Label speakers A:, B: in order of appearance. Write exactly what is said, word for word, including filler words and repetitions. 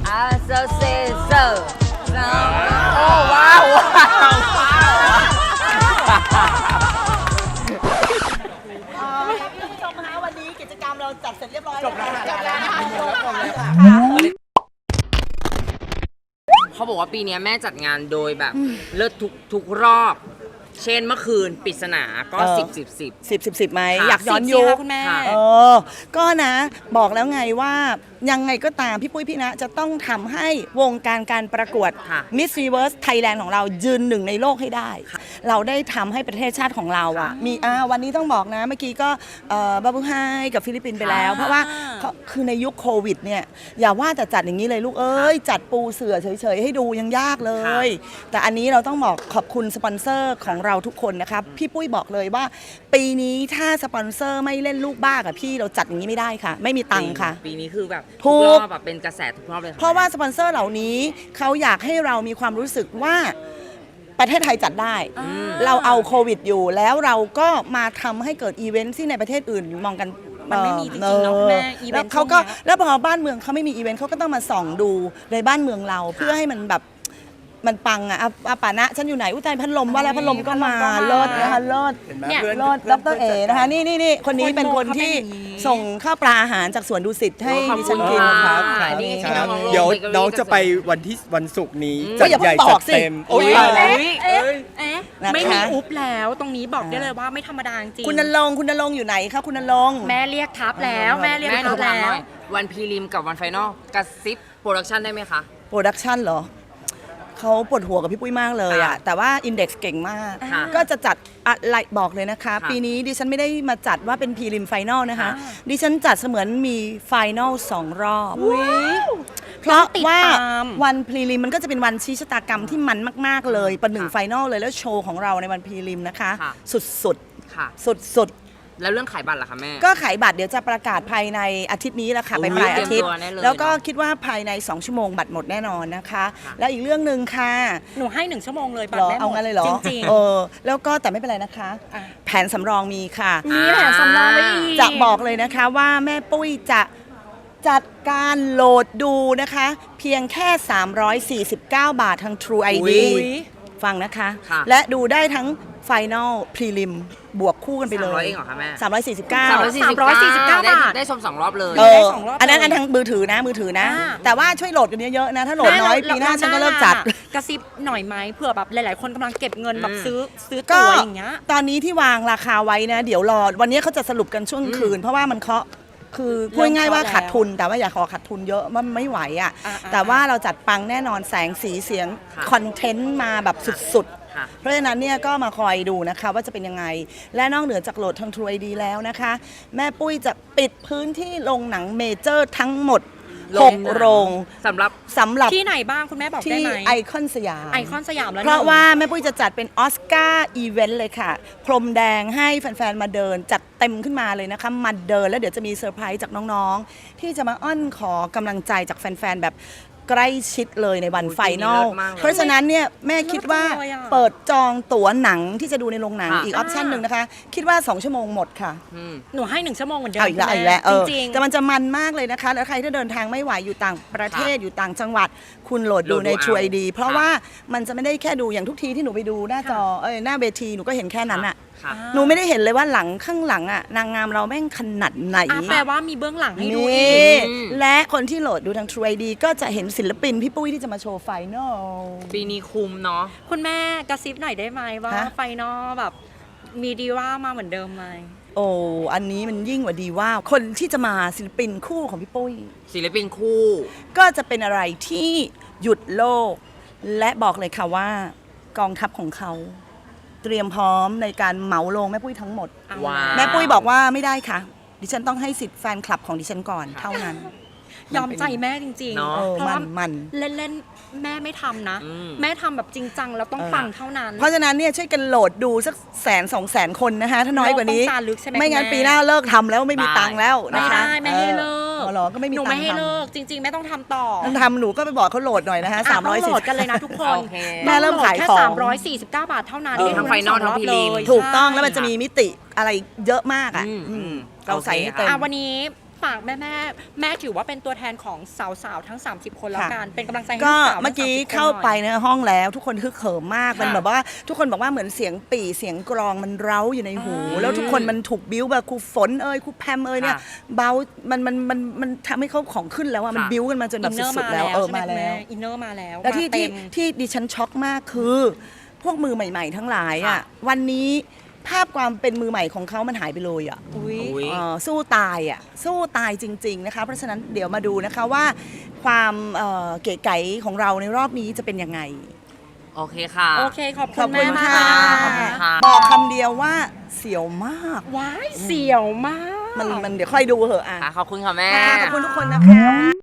A: อ่าเซอร์เซเซอร์โอ้ว้าวว้าว
B: ท่านผู้ชมคะวันนี้กิจกรรมเราจัดเสร็จเรียบร้อยแล้วจบแล้วจบแล้ว
A: เขาบอกว่าปีนี้แม่จัดงานโดยแบบเลิศทุกทุกรอบ เช่นเมื่อคืนปริศนาก็สิบสิบสิบ
B: สิบสิบสิบไหม
A: ค่ะ
B: อยากย้อนยุค
C: คุณแม่
B: เออก็นะบอกแล้วไงว่ายังไงก็ตามพี่ปุ้ยพี่นะจะต้องทำให้วงการการประกวด
A: ค่ะ
B: Miss Universe Thailand ของเรายืนหนึ่งในโลกให้ได้ เราได้ทำให้ประเทศชาติของเราอ่ะมีอ่าวันนี้ต้องบอกนะเมื่อกี้ก็บาบูไฮกับฟิลิปปินส์ไปแล้ว เพราะว่าเขาคือในยุคโควิดเนี่ยอย่าว่าแต่จัดอย่างนี้เลยลูกเอ้ยจัดปูเสื่อเฉยๆให้ดูยังยากเลย แต่อันนี้เราต้องบอกขอบคุณสปอนเซอร์ของเราทุกคนนะครับพี่ปุ้ยบอกเลยว่า ปีนี้ถ้าสปอนเซอร์ไม่เล่นลูกบ้ากับพี่เราจัดอย่างนี้ไม่ได้ค่ะ ไม่มีตังค์ค่ะ
A: ปีนี้คือแบบ
B: ถู
A: ทุก
B: ก
A: รอบแบบเป็นกระแสทุกรอบเลยค่
B: เพราะว่าสปอนเซอร์เหล่านี้เขาอยากให้เรามีความรู้สึกว่าประเทศไทยจัดได้ เราเอาโควิดอยู่แล้วเราก็มาทำให้เกิดอีเวนต์ที่ในประเทศอื่นมองกัน
C: มันไม่มีจริงๆเนาะคุณแม่อีเวนต์
B: แล้วเขาก็
C: ช่วงเนี้ย
B: แล้วพอบ้านเมืองเขาไม่มีอีเวนต์เขาก็ต้องมาส่องดูในบ้านเมืองเราเพื่อให้มันแบบมันปังอะอ่ะอ่ะป่านะฉันอยู่ไหนอุ้ยใจพัดลมว่าแล้วพัดลมก็มาเลิศนะคะเลิศ
C: เนี่ย
B: เลิศดรเอนะคะนี่นี่นี่คนนี้เป็นคนที่ส่งข้าวปลาอาหารจากสวนดุสิตให้
A: ขอบ
B: ดิ
A: คุ
B: ฉั
A: ณ
B: นกิน
A: ค่ะ
B: ครับ
A: ครับ
D: นี่
A: ค
D: ค
A: รั
D: รั
A: บบ
D: เดี๋ยว
A: เบเกอรี่
D: น้องจะไป
A: เกษตร
D: วันที่วันศุกร์นี้
B: ก็
D: จัด
B: อย่าเพิ่
D: ใหญ่
B: งบ
D: จั
B: อ
D: ด
B: กสิ
D: เต็มโอ้ย
A: อุ๊ย
D: ตายแล้ว
C: เอ๊ะเอ๊ะ
B: นะคะ
C: ไม่มีอุ๊บแล้วตรงนี้บอกได้เลยว่าไม่ธรรมดาจริง
B: คุณนรงค์คุณนรงค์อยู่ไหนคะคุณนรงค์
C: แม่เรียกทับแล้วแม่เรียก
A: แม่หนู
C: ทับ
A: ถามห
C: แล้
A: น่
C: ว
A: อยวันพรีลิมกับวันไฟนอลกระซิบโปรดักชันได้ไหมคะ
B: โปรดักชันเหรอเขาปวดหัวกับพี่ปุ้ยมากเลยอะ
A: ค่ะ
B: แต่ว่าอินเด็กซ์เก่งมาก
A: ค่ะ
B: ก็จะจัดอะไรบอกเลยนะคะ
A: ค่ะ
B: ปีนี้ดิฉันไม่ได้มาจัดว่าเป็นพรีลิมไฟนอลนะคะ
A: ค่ะ
B: ดิฉันจัดเสมือนมีไฟนอลสองรอบ เพราะว่า
C: ติดตาม
B: วันพรีลิมมันก็จะเป็นวันชี้ชะตากรรมที่มันมาก ๆ เลยประหนึ่ง
A: ค่ะ
B: ไฟนอลเลยแล้วโชว์ของเราในวันพรีลิมนะคะ
A: ค่ะ
B: สุด
A: ค่ะ
B: ๆ สุด
A: แล้วเรื่องขายบัตรล่ะคะแม่
B: ๆ ก็ขายบัตรเดี๋ยวจะประกาศภายในอาทิตย์นี้แหละค่ะ
A: โอ้
B: ไป
A: ย
B: ปลายอาทิตย์
A: เตรียมตัวแน่เลย
B: แล้วก็
A: เนอะ
B: คิดว่าภายในสองชั่วโมงบัตรหมดแน่นอนนะคะ
A: ค่ะ
B: แล้วอีกเรื่องหนึ่งค่ะ
C: หนูให้หนึ่งชั่วโมงเลยบัต
B: เหร
C: ร
B: อ
C: แม่หมด
B: เอางั้นเลยเหรอ
C: จริง
B: เออแล้วก็แต่ไม่เป็นไรนะคะ
C: อ่ะ
B: แผนสำรองมีค่ะ
C: ๆมีแผนสำรองไว้อีก
B: จะบอกเลยนะคะว่าแม่ปุ้ยจะจัดการโหลดดูนะคะ เพียงแค่ สามร้อยสี่สิบเก้า บาททาง True ไอ ดี
A: อุ๊ย
B: ฟังนะคะ
A: ค่ะ
B: และดูได้ทั้ง Final Prelim บวกคู่กันไปเล
A: สามร้อย
B: ย
A: เองเหรอคะแม่
B: สามร้อยสี่สิบเก้า
A: สามร้อยสี่สิบเก้า
C: บาท
A: ได้ชมสองรอบเลย
B: เอ
C: ได้
B: อ
C: สองรอบ
B: อันนั้น
C: เลย
B: อันทางมือถือนะมือถือนะ
C: อ่า
B: แต่ว่าช่วยโหลดกันเยอะๆนะ ถ้าโหลดน้อยปีหน้าฉันก็เลิกจัด
C: กระซิบหน่อยไหมเผื่อแบบหลาย ๆ คนกำลังเก็บเงินแบบ
A: อืม
C: ซื้อซื้อ
B: ก็
C: ตั๋วอย่างเงี้ย
B: ตอนนี้ที่วางราคาไว้นะ เดี๋ยวรอวันนี้เขาจะสรุปกันช่วงคืน เพราะว่ามันเคาะคือพูดง่ายๆว่าขาดทุน แต่ว่าอย่าขอขาดทุนเยอะมันไม่ไหวอ่ะ
C: อ่าๆ
B: แต่ว่าเราจัดปังแน่นอนแสงสีเสียง
A: ค่ะ
B: คอนเทนต์มาแบบสุด
A: ค่ะ
B: ๆ เพราะฉะนั้นเนี่ยก็มาคอยดูนะคะว่าจะเป็นยังไง และนอกเหนือจากโหลดทาง True ไอ ดี แล้วนะคะ แม่ปุ้ยจะปิดพื้นที่โรงหนังเมเจอร์ทั้งหมดหกโรง
A: สำหรับ
B: สำหรับ
C: ที่ไหนบ้างคุณแม่บอกได้
B: ที่
C: ไหม
B: ไอคอนสยาม
C: ไอคอนสยามแล้ว
B: เพราะ
C: หนึ่ง
B: ว่าแม่ปุ้ยจะจัดเป็นออสการ์อีเวนต์เลยค่ะ พรมแดงให้แฟนๆ มาเดิน จัดเต็มขึ้นมาเลยนะคะ มาเดินแล้วเดี๋ยวจะมีเซอร์ไพรส์จากน้องๆ ที่จะมาอ้อนขอกำลังใจจากแฟนๆ แบบใกล้ชิดเลยในวัน
A: โอ้ย
B: ไฟนอล
A: ปีนี้เลิศมากเลย
B: เพราะฉะนั้นเนี่ยแม่คิดว่า
C: เลิศจังเลยอะ
B: เปิดจองตั๋วหนังที่จะดูในโรงหนัง
A: ค่ะ
B: อีกออปชั่นหนึ่งนะคะ คิดว่า สอง ชั่วโมงหมดค่ะ
A: อืม
C: หนูให้หนึ่งชั่วโมงเหมือนเดิม
B: เอาอีกแล้ว
C: คุณ
B: เอา
C: แม่
B: อีกแล้วเออ
C: จริง
B: แต่มันจะมันมากเลยนะคะ แล้วใครที่เดินทางไม่ไหวอยู่ต่างประเทศ
A: ค่ะ
B: อยู่ต่างจังหวัด คุณโหลดดู
A: โหลดดู
B: ใน
A: เอา
B: True ไอ ดี เพราะ
A: ค่ะ
B: ว่ามันจะไม่ได้แค่ดูอย่างทุกทีที่หนูไปดูหน้าจอเอ้ยหน้าเวทีหนูก็เห็นแค่นั้นอะ
A: ค่ะ
B: หนูไม่ได้เห็นเลยว่าหลังข้างหลังอะนางงามเราแม่งขนาดไหน
C: อ่ะแปลว่ามีเบื้องหลังให้ดู
B: นี่
C: อีก
A: อืม
B: และคนที่โหลดดูทาง True ไอ ดี ก็จะเห็นศิลปินพี่ปุ้ยที่จะมาโชว์ไฟนอล
A: ปีนี้คุ้มเนาะ
C: คุณแม่กระซิบหน่อยได้ไหมว่า
B: ฮะ
C: ไฟนอลแบบมีดีว่ามาเหมือนเดิมไหม
B: โอ้อันนี้มันยิ่งกว่าดีว่าคนที่จะมาศิลปินคู่ของพี่ปุ้ย
A: ศิลปินคู่
B: ก็จะเป็นอะไรที่หยุดโลก และบอกเลยค่ะว่ากองทัพของเขา เตรียมพร้อมในการเหมาลงแม่ปุ้ยทั้งหมด
C: เอา
A: ว้าว
B: แม่ปุ้ยบอกว่าไม่ได้ค่ะ ดิฉันต้องให้สิทธิ์แฟนคลับของดิฉันก่อนเท่านั้น
C: ยอมใจแม่จริง
A: เนอะ
C: ๆ
B: เออ
C: เพราะ
B: มั
C: ว่าน
B: มัน
C: เล่นๆแม่ไม่ทำนะ
A: อืม
C: แม่ทำแบบจริงจังแล้วต้อง
B: เออ
C: ปังเท่านั้น
B: เพราะฉะนั้นเนี่ยช่วยกันโหลดดูสักแสนสองแสนคนนะคะถ้าน้อยกว่านี้
C: โลกต้องการลึกใช่ไหม
B: ไม่งั้น
C: คุณแม่
B: ปีหน้าเลิกทำแล้วไม่มีตังค์แล้ว
C: ไม่
B: นะคะ
C: ได้ไม่ให้เลิก
B: ออเหรอก็ไม่มี
C: หนู
B: ตั
C: ไม่
B: งค์
C: ให้
B: ทำ
C: เลิกจริง ๆ ไม่ต้องทำต่อ
B: ต้องทำหนูก็ไปบอกเขาโหลดหน่อยนะคะ
C: อ่ะ
B: สามร้อย
C: ต้องโหล
B: สี่
C: ดกันเลยนะทุกคน
A: โอเค
B: แม่เริ่มขาย
C: แค่
B: ของ
C: สามร้อยสี่สิบเก้าบาทเท่านั้น
A: เออทั้งไฟนอลทั้งพรีลิม
C: เลย
B: ถูกต้องแล้ว
C: ใช่
B: มันจะมีมิติอะไรเยอะมากอ่ะ
A: อืม
B: อืม
A: อืม
B: เราใส่ให้
A: โอเค
B: เต็ม
C: อ่ะวันนี้ฝากแม่แม่แม่ถือว่าเป็นตัวแทนของสาวๆทั้ง สามสิบ คนแล้ว
B: ค่ะ
C: กันเป็นกำลังใจให้
B: ก็
C: ลูสาวทั้ง
B: เมื่อกี้
C: สามสิบคน
B: เข้าไป
C: หน่อย
B: ในห้องแล้วทุกคนฮึกเหิมมาก
A: ค่ะ
B: มันแบบว่าทุกคนบอกว่าเหมือนเสียงปี่เสียงกรองมันเร้าอยู่ในหู
C: อ่า
B: แล้วทุกคนมันถูกบิ้วแบบครูฝนเอ่ยครูแพมเอ่ยเนี่ย
A: ค่ะ
B: เบามันมันมันมันทำให้เขาของขึ้นแล้วอะมัน
A: ค่ะ
B: บิ้วกันมาจนแบบ
C: อินเนอร์
B: สุ
C: มา
B: ดๆแล้ว
C: แล้ว
B: เออ
C: ใช่ไหม
B: มา
C: คุณ
B: แล้ว
C: แม่อินเนอร์มาแล้ว
B: แล้วที่
C: มาเต็
B: ที่
C: ม
B: ที่ดิฉันช็อกมากคือ พวกมือใหม่ ๆ ทั้งหลายอ่ะ
A: ค่ะ
B: วันนี้ภาพความเป็นมือใหม่ของเขามันหายไปเลยอ่ะ
C: อุ้ย
A: อุ๊ย
B: เอ่อสู้ตายอ่ะสู้ตายจริง ๆ นะคะ เพราะฉะนั้นเดี๋ยวมาดูนะคะว่าความเอ่อเก๋ไก๋ของเราในรอบนี้จะเป็นยังไง
A: โอเคค่ะ
C: โอเคขอบ
B: ข
C: คุ
B: อบ
C: ณ
B: คุ
C: แม่
B: ณ
C: มาก
B: ค่ะ
A: ขอบคุณค่ะ
B: บอกคำเดียวว่าเสียวมาก
C: ว้ายเสี่ยวมาก
B: มันมันเดี๋ยวค่อยดูเหอะอ่ะ
A: ค่ะขอบคุณค่ะแม่
B: ค่ะขอบคุณทุกคนนะคะ